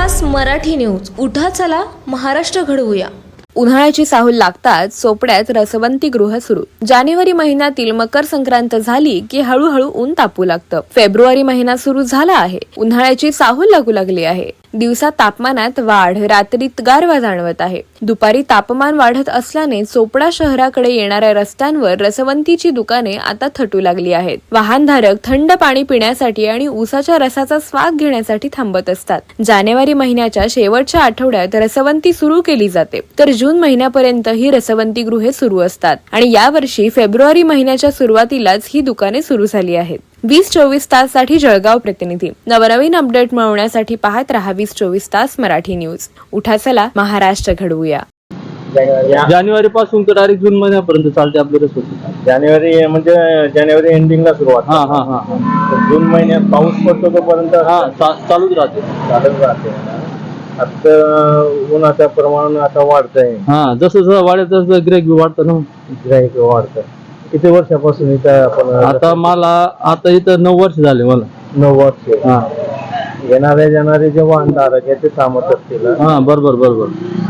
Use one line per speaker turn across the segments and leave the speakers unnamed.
तास मराठी न्यूज. उठा चला महाराष्ट्र घडवूया.
उन्हाळ्याची साहूल लागताच चोपड्यात रसवंती गृह सुरू. जानेवारी महिन्यातील मकर संक्रांत झाली की हळूहळू ऊन तापू लागतं. फेब्रुवारी महिना सुरू झाला आहे. उन्हाळ्याची साहूल लागू लागली आहे. दिवसा तापमानात वाढ, रात्रीत गारवा जाणवत आहे. दुपारी तापमान वाढत असल्याने चोपडा शहराकडे येणाऱ्या रस्त्यांवर रसवंतीची दुकाने आता थटू लागली आहेत. वाहनधारक थंड पाणी पिण्यासाठी आणि ऊसाच्या रसाचा स्वाद घेण्यासाठी थांबत असतात. जानेवारी महिन्याच्या शेवटच्या आठवड्यात रसवंती सुरू केली जाते, तर जून महिन्यापर्यंत ही रसवंती गृहे सुरू असतात आणि यावर्षी फेब्रुवारी महिन्याच्या सुरुवातीलाच ही दुकाने सुरू झाली आहेत. 20-24 तास साठी जळगाव प्रतिनिधी. नवनवीन अपडेट मिळवण्यासाठी पाहत रहा 20-24 तास मराठी न्यूज. उठा चला महाराष्ट्र घडवूया.
जानेवारी पासून तर डायरेक्ट जून महिन्यापर्यंत चालते आपली रसवंती.
जानेवारी म्हणजे जानेवारी एंडिंगला सुरुवात.
हा हा हा
जून महिन्यात पाऊस पडतो तोपर्यंत
चालूच राहते.
चालत राहते. आता उन्हाचं प्रमाण आता वाढतंय.
हा जसं जसं वाढत तसं गिऱ्हाईक बी वाढतं ना.
गिऱ्हाईक वाढतं. किती वर्षापासून इथं आपण?
आता मला आता इथं 9 वर्ष झाले मला.
9 वर्ष.
हा
येणारे जाणारे जे वाहनधारक आहे ते थांबत असतील.
हा बरोबर.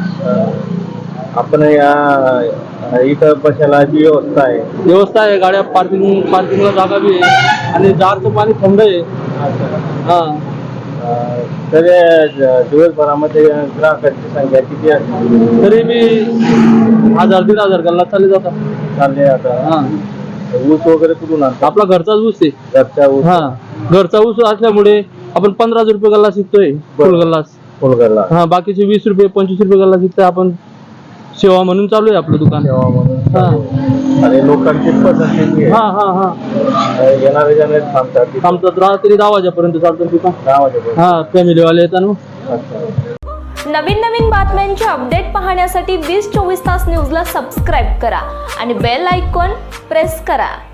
आपण या इथं बसायला जी
व्यवस्था आहे. गाड्या पार्किंगला जागा बी आहे आणि जारचं पाणी थंड आहे. हा
तर दिवसभरामध्ये ग्राहकांची संख्या किती असते?
तरी बी 1000-1500 गल्ला चालले
आता.
हा
ऊस वगैरे कुठून आणतो?
आपला घरचाच ऊस आहे.
घरचा ऊस.
हा घरचा ऊस असल्यामुळे आपण 15 रुपये गल्ला शिकतोय. फुल
फुलगल्ला.
हा बाकीचे 20 रुपये 25 रुपये गल्ला शिकतोय. आपण सेवा म्हणून चालू आहे आपलं दुकान.
सेवा म्हणून.
हा
आणि लोकांची पसंती आहे.
हा
येणारे जाणारे
थांबतात. रात्री 10 वाजेपर्यंत चालतं दुकान.
10 वाजेपर्यंत.
हा फॅमिलीवाले येतात ना.
नवीन बातम्यांचे अपडेट पाहण्यासाठी 20-24 तास न्यूजला सबस्क्राईब करा आणि बेल आयकॉन प्रेस करा.